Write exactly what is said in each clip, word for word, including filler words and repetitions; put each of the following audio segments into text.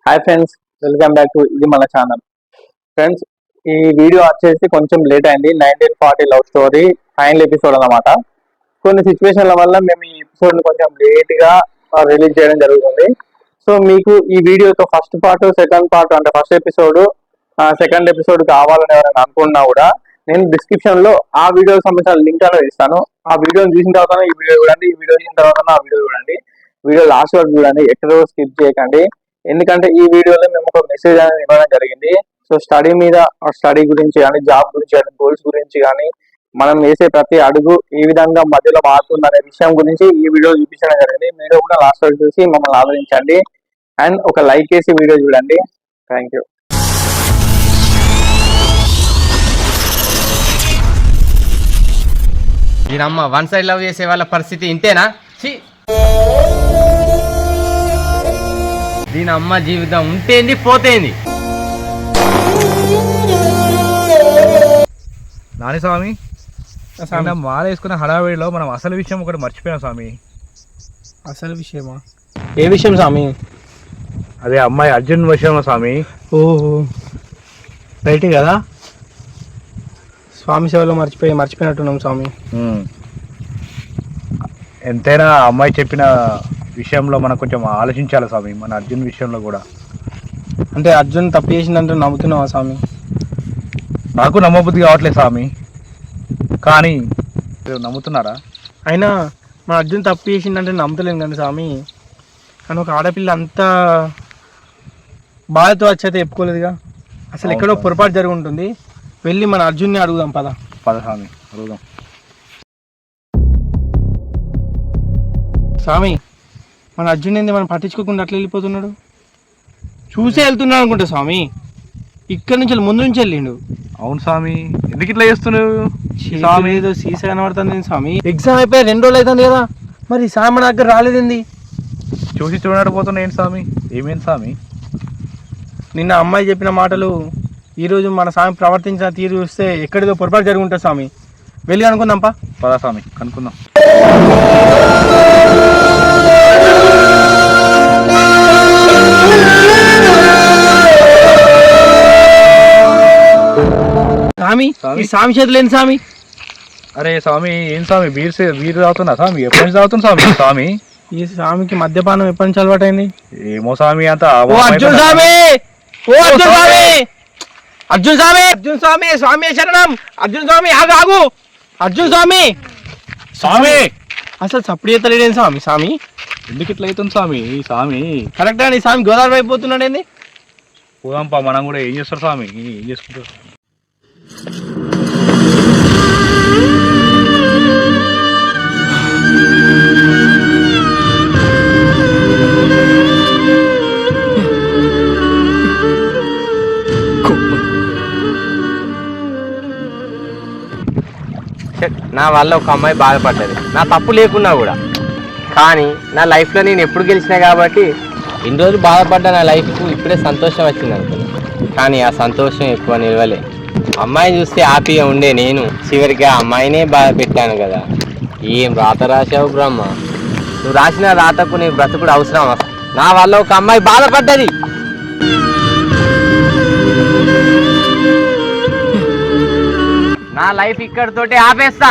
Hi friends, welcome back to ఇది మన channel. Friends, ఈ వీడియో వచ్చేసి కొంచెం లేట్ అయింది. Nineteen forty love story final episode అన్నమాట. కొన్ని సిచ్యువేషన్ల వల్ల మేము ఈ ఎపిసోడ్ ని కొంచెం లేట్ గా రిలీజ్ చేయడం జరుగుతుంది. సో మీకు ఈ వీడియోతో ఫస్ట్ పార్ట్, సెకండ్ పార్ట్ అంటే ఫస్ట్ ఎపిసోడ్, సెకండ్ ఎపిసోడ్ కావాలని ఎవరైనా అనుకున్నా కూడా నేను డిస్క్రిప్షన్ లో ఆ వీడియోకి సంబంధించిన లింక్ అనేది ఇస్తాను. ఆ వీడియోని చూసిన తర్వాత ఈ వీడియో చూడండి, ఈ వీడియో చూసిన తర్వాత ఆ వీడియో చూడండి. వీడియో లాస్ట్ వరకు చూడండి, ఎక్కడో స్కిప్ చేయకండి. ఎందుకంటే ఈ వీడియోలో మేము ఒక మెసేజ్ అనేది ఇవ్వడం జరిగింది. సో స్టడీ మీద, స్టడీ గురించి కానీ, జాబ్ గురించి కానీ, గోల్స్ గురించి కానీ, మనం వేసే ప్రతి అడుగు ఏ విధంగా మధ్యలో మారుతుంది అనే విషయం గురించి ఈ వీడియో చూపించడం జరిగింది. వీడియో కూడా లాస్ట్ వరకు చూసి మమ్మల్ని ఆలోచించండి అండ్ ఒక లైక్ చేసి వీడియో చూడండి. Thank you. దీనమ్మ వన్ సైడ్ లవ్ చేసే వాళ్ళ పరిస్థితి ఇంతేనా? దీని అమ్మ జీవితం ఉంటేంది పోతేంది. నాని స్వామి, మాల వేసుకున్న హడావిడిలో మనం అసలు విషయం ఒకటి మర్చిపోయాం స్వామి. అసలు విషయమా? ఏ విషయం స్వామి? అదే అమ్మాయి అర్జున్ విషయంలో స్వామి. ఓహో, రైట్ కదా. స్వామి సేవలో మర్చిపోయి మర్చిపోయినట్టున్నాం స్వామి. ఎంతైనా అమ్మాయి చెప్పిన విషయంలో మనం కొంచెం ఆలోచించాలి స్వామి. మన అర్జున్ విషయంలో కూడా. అంటే అర్జున్ తప్పు చేసిందంటే నమ్ముతున్నావా స్వామి? నాకు నమ్మబుద్ధి కావట్లేదు స్వామి, కానీ నమ్ముతున్నారా? అయినా మన అర్జున్ తప్పు చేసిందంటే నమ్ముతలేను కానీ స్వామి. కానీ ఒక ఆడపిల్ల అంత బాధతో వచ్చైతే చెప్పుకోలేదుగా. అసలు ఎక్కడో పొరపాటు జరిగి ఉంటుంది. వెళ్ళి మన అర్జున్ని అడుగుదాం. పద పద స్వామి, అడుగుదాం. స్వామి, మన అర్జున్ ఏంది మనం పట్టించుకోకుండా అట్లా వెళ్ళిపోతున్నాడు? చూసే వెళ్తున్నాడు అనుకుంటా స్వామి. ఇక్కడ నుంచి ముందు నుంచి వెళ్ళిండు. అవును స్వామి, ఎందుకు ఇట్లా చేస్తున్నావు స్వామి? ఏదో సీసా కనబడుతుంది స్వామి. ఎగ్జామ్ అయిపోయి రెండు రోజులు అవుతుంది కదా, మరి స్వామి మన దగ్గర రాలేదండి. చూసి చూడకపోతున్నా ఏంటి స్వామి? ఏమేంటి స్వామి? నిన్న అమ్మాయి చెప్పిన మాటలు, ఈరోజు మన స్వామి ప్రవర్తించిన తీరు చూస్తే ఎక్కడిదో పొరపాటు జరిగి ఉంటుంది స్వామి. వెళ్ళి అనుకుందాంపా. పదా స్వామి, కనుక్కుందాం. స్వామి, ఈ స్వామి చేతులు ఏంటి స్వామి? అరే స్వామి, ఏం స్వామి బీర్ బీర్ తాగుతున్నా స్వామి? ఎప్పటి నుంచి తాగుతున్నా స్వామి? స్వామి, ఈ స్వామికి మద్యపానం ఎప్పటి నుంచి అలవాటైంది? ఏమో స్వామి, అంత అర్జున్ స్వామి, ఓ అర్జున్ స్వామి, అర్జున్ స్వామి, అర్జున్ స్వామి, స్వామి శరణం. అర్జున్ స్వామి, ఆగు ఆగు. అర్జున్ స్వామి, స్వామి అసలు సప్పుడు చేతలేడేంటి స్వామి? స్వామి ఎందుకు ఇట్లా అవుతుంది స్వామి? స్వామి కరెక్ట్ అండి. స్వామి గోదావరి అయిపోతున్నాడు ఏంది? పోదాంపా, మనం కూడా. ఏం చేస్తారు స్వామి? ఏం చేసుకుంటారు? నా వల్ల ఒక అమ్మాయి బాధపడ్డది, నా తప్పు లేకున్నా కూడా. కానీ నా లైఫ్లో నేను ఎప్పుడు గెలిచినా కాబట్టి ఇన్ని రోజులు బాధపడ్డా నా లైఫ్కు ఇప్పుడే సంతోషం వచ్చింది అనుకున్నా. కానీ ఆ సంతోషం ఎక్కువ నిలవలే. అమ్మాయిని చూస్తే హ్యాపీగా ఉండే నేను చివరికి ఆ అమ్మాయినే బాధ పెట్టాను కదా. ఏం రాత రాసావు బ్రహ్మ? నువ్వు రాసిన రాతకు నీ బ్రతుకుడు అవసరం. నా వల్ల ఒక అమ్మాయి బాధపడ్డది. నా లైఫ్ ఇక్కడితోటి ఆపేస్తా.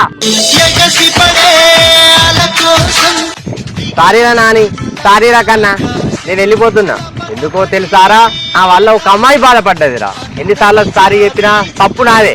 సారీరా నాని, సారీరా కన్నా, నేను వెళ్ళిపోతున్నా. ఎందుకో తెలుసారా? నా వల్ల ఒక అమ్మాయి బాధపడ్డదిరా. ఎన్నిసార్లు సారీ చెప్పినా తప్పు నాదే.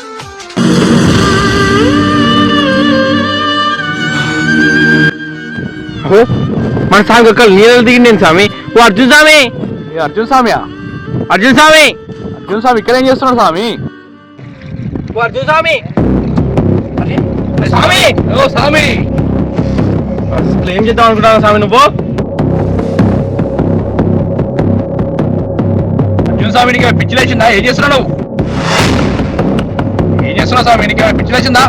మన స్వామి ఒక్క నీళ్ళు దిగింది నేను స్వామి. ఓ అర్జున్ స్వామి, అర్జున్ స్వామియా? అర్జున్ స్వామి, అర్జున్ స్వామి ఇక్కడ ఏం చేస్తున్నాడు స్వామి? ఓ అర్జున్ స్వామి, స్వామి, ఓ స్వామి, అసలు ఏం చేద్దాం అనుకుంటున్నావు స్వామి నువ్వు? అర్జున్ స్వామి, నీకు పిచ్చి లేచిందా? ఏం చేస్తున్నావు నువ్వు? ఏం చేస్తున్నావు స్వామి? నీకు పిచ్చి లేచిందా?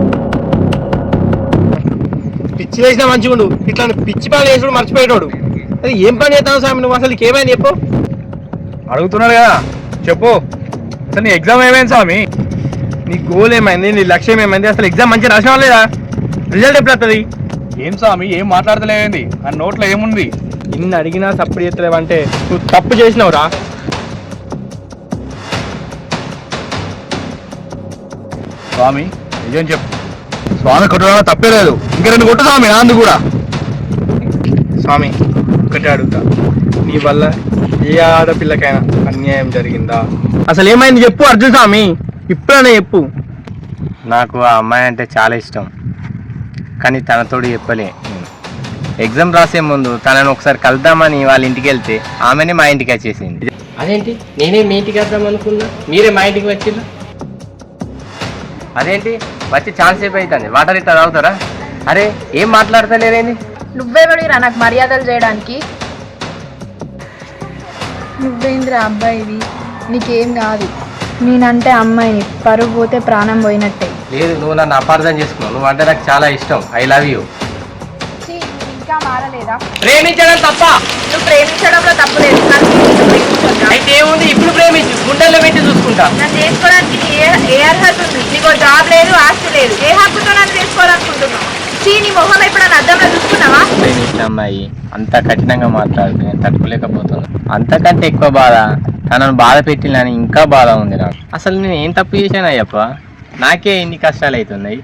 పిచ్చి వేసినా మంచిగా ఉండు. ఇట్లా పిచ్చి పని వేసుడు మర్చిపోయేటోడు. అది ఏం పని చేస్తావు స్వామి నువ్వు? అసలు ఏమైంది చెప్పు? అడుగుతున్నాడు కదా, చెప్పు. అసలు నీ ఎగ్జామ్ ఏమైంది స్వామి? నీ గోల్ ఏమైంది? నీ లక్ష్యం ఏమైంది? అసలు ఎగ్జామ్ మంచిగా రాసినా లేదా? రిజల్ట్ ఎప్పుడు వస్తుంది? ఏం స్వామి, ఏం మాట్లాడతలేదండి? ఆ నోట్లో ఏముంది? ఇన్ని అడిగినా సప్పుడు చేస్తలేవంటే నువ్వు తప్పు చేసినావురా. స్వామి నిజం చెప్పు. స్వామి కొట్టడం తప్పే లేదు, ఇంకా రెండు కొట్టు స్వామి నాందు కూడా. స్వామి ఒకటే అడుగుతా, నీ వల్ల ఏ ఆడపిల్లకైనా అన్యాయం జరిగిందా? అసలు ఏమైంది చెప్పు అర్జున్ స్వామి, ఇప్పుడనే చెప్పు. నాకు ఆ అమ్మాయి అంటే చాలా ఇష్టం, కానీ తనతోడు చెప్పలే. ఎగ్జామ్ రాసే ముందు తనను ఒకసారి కలుద్దామని వాళ్ళ ఇంటికి వెళ్తే ఆమెనే మా ఇంటికి వచ్చేసింది. అదేంటి, నేనే మీ ఇంటికి వద్దాం అనుకున్నా, మీరే మా ఇంటికి వచ్చిందా? అదేంటి వచ్చి ఛాన్స్ సేపు అవుతుంది, వాటర్ ఇట్లా తాగుతారా? అరే ఏం మాట్లాడతలేరేంది? నువ్వెవడిరా నాకు మర్యాదలు చేయడానికి? నువ్వేంద్రా అబ్బాయివి, నీకేం కాదు. నేనంటే అమ్మాయిని, పరుగు పోతే ప్రాణం పోయినట్టే. లేదు, నువ్వు నన్ను అపార్థం చేసుకున్నావు. నువ్వు అంటే నాకు చాలా ఇష్టం, ఐ లవ్ యూ. ఇంకా మారలేదా? ప్రేమించడం తప్ప? నువ్వు ప్రేమించడంలో తప్పు లేదు, కానీ నిన్ను ప్రేమించొద్దా? అయితే ఏముంది, ఇప్పుడు ప్రేమించు, గుండెల్లో పెట్టి చూసుకుంటా. నన్ను చేసుకోవడానికి నీ ఏ ఏ అర్హత ఉంది? నీకు జాబ్ లేదు, ఆస్తి లేదు, ఏ హక్కుతో నన్ను చేసుకోవాలనుకుంటున్నావు? చీ, నీ మొహం ఎప్పుడన్నా అద్దంలో చూసుకున్నావా? ప్రేమించిన అమ్మాయి అంత కఠినంగా మాట్లాడుతూ నేను తట్టుకోలేకపోతున్నా. అంతకంటే ఎక్కువ బాధ తనను బాధ పెట్టినని ఇంకా బాధ ఉంది నాకు. అసలు నేను ఏం తప్పు చేశాను అయ్యప్ప, నాకే ఇన్ని కష్టాలు అవుతున్నాయి.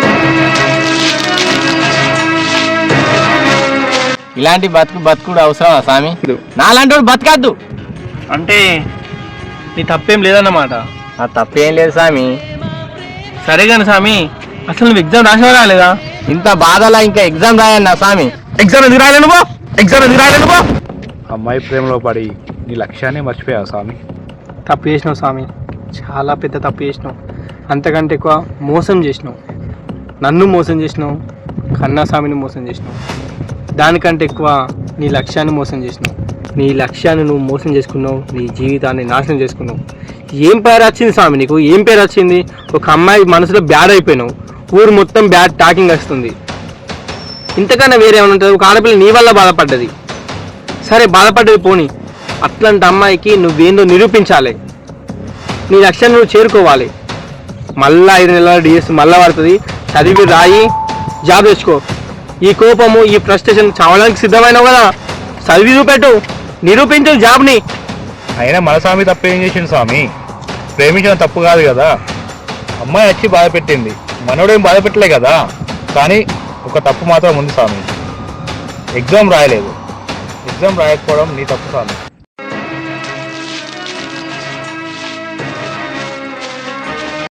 ఇలాంటి బతుకు బతుకుడు అవసరమా స్వామి? నాలాంటి వాడు బతకద్దు అంటే నీ తప్పేం లేదన్నమాట. నా తప్పేం లేదు స్వామి. సరే కానీ స్వామి, అసలు నువ్వు ఎగ్జామ్ రాసినా రాలేదా? ఇంత బాధలా ఇంకా ఎగ్జామ్ రాయన్నా స్వామి? ఎగ్జామ్ ఎందుకు రాయలేను బో, ఎగ్జామ్ ఎందుకు రాయలేను బో. అమ్మాయి ప్రేమలో పడి నీ లక్ష్యాన్ని మర్చిపోయావు స్వామి. తప్పు చేసినావు స్వామి, చాలా పెద్ద తప్పు చేసినావు. అంతకంటే ఎక్కువ మోసం చేసినావు. నన్ను మోసం చేసినావు, కన్నా స్వామిని మోసం చేసినావు. దానికంటే ఎక్కువ నీ లక్ష్యాన్ని మోసం చేసినావు. నీ లక్ష్యాన్ని నువ్వు మోసం చేసుకున్నావు, నీ జీవితాన్ని నాశనం చేసుకున్నావు. ఏం పేరు వచ్చింది స్వామి నీకు? ఏం పేరు వచ్చింది? ఒక అమ్మాయి మనసులో బ్యాడ్ అయిపోయినావు, ఊరు మొత్తం బ్యాడ్ టాకింగ్ వస్తుంది. ఇంతకన్నా వేరే ఏమైనా ఉంటుంది? ఒక ఆడపిల్ల నీ వల్ల బాధపడ్డది, సరే బాధపడ్డది పోనీ, అట్లాంటి అమ్మాయికి నువ్వేందో నిరూపించాలి. నీ లక్ష్యాన్ని నువ్వు చేరుకోవాలి. మళ్ళా ఐదు నెలల డిఎస్ మళ్ళా పడుతుంది, చదివి రాయి, జాబ్ తెచ్చుకో. ఈ కోపము, ఈ ఫ్రస్ట్రేషన్ చావడానికి సిద్ధమైనావు కదా, చదివి చూపెట్టు, నిరూపించు జాబ్ని. అయినా మన స్వామి తప్పు ఏం చేసింది స్వామి? ప్రేమించడం తప్పు కాదు కదా. అమ్మాయి వచ్చి బాధ పెట్టింది, మనోడేం బాధ పెట్టలే కదా. కానీ ఒక తప్పు మాత్రం ఉంది స్వామి, ఎగ్జామ్ రాయలేదు. ఎగ్జామ్ రాయకపోవడం నీ తప్పు స్వామి.